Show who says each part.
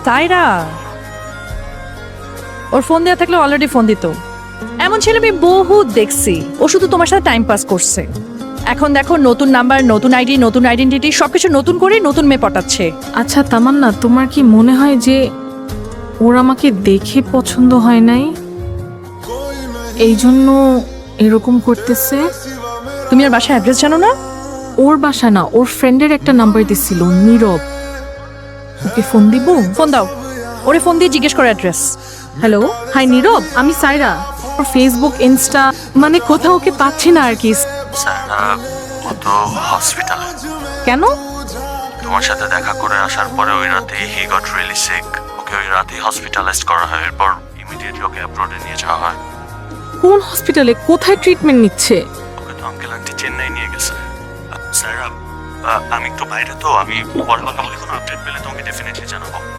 Speaker 1: তাইরা ওর phone দেওয়া থাকলে already phone দিত। এমন ছেলে আমি বহুত দেখছি, ও শুধু তোমার সাথে টাইম পাস করছে। এখন দেখো নতুন নাম্বার, নতুন আইডি, নতুন আইডেন্টিটি, সবকিছু নতুন করে নতুন মেয়ে পটাচ্ছে।
Speaker 2: আচ্ছা তামান্না, তোমার কি মনে হয় যে ওর আমাকে দেখে পছন্দ হয় নাই, এই জন্য এরকম করতেছে?
Speaker 1: তুমি আর বাসায় অ্যাড্রেস জানো না?
Speaker 2: ওর বাসা না, ওর ফ্রেন্ডের একটা নাম্বার দিছিল, নীরব। ওকে ফোন দিব?
Speaker 1: ফোন দাও, ওরে ফোন দিয়ে জিজ্ঞেস করো অ্যাড্রেস।
Speaker 2: হ্যালো, হাই নীরব, আমি সাইরা। ওর ফেসবুক, ইনস্টা, মানে কোথাও ওকে পাচ্ছি না আর কি।
Speaker 3: স্যার ও তো হসপিটালে।
Speaker 2: কেন?
Speaker 3: তোমার সাথে দেখা করে আসার পরে ওই রাতে he got really sick. Okay ওই রাতেই হসপিটালাইজড করা হয়, এরপর ইমিডিয়েটলি ওকে অ্যাব্রোডে নিয়ে যাওয়া হয়।
Speaker 2: কোন হসপিটালে, কোথায় ট্রিটমেন্ট নিচ্ছে?
Speaker 3: ওকে তো আঙ্কেল আন্টি চেন্নাই নিয়ে গেছে। স্যার আমি একটু বাইরে তো, আমি পরে কোনো আপডেট পেলে তোমাকে ডেফিনেটলি জানাবো।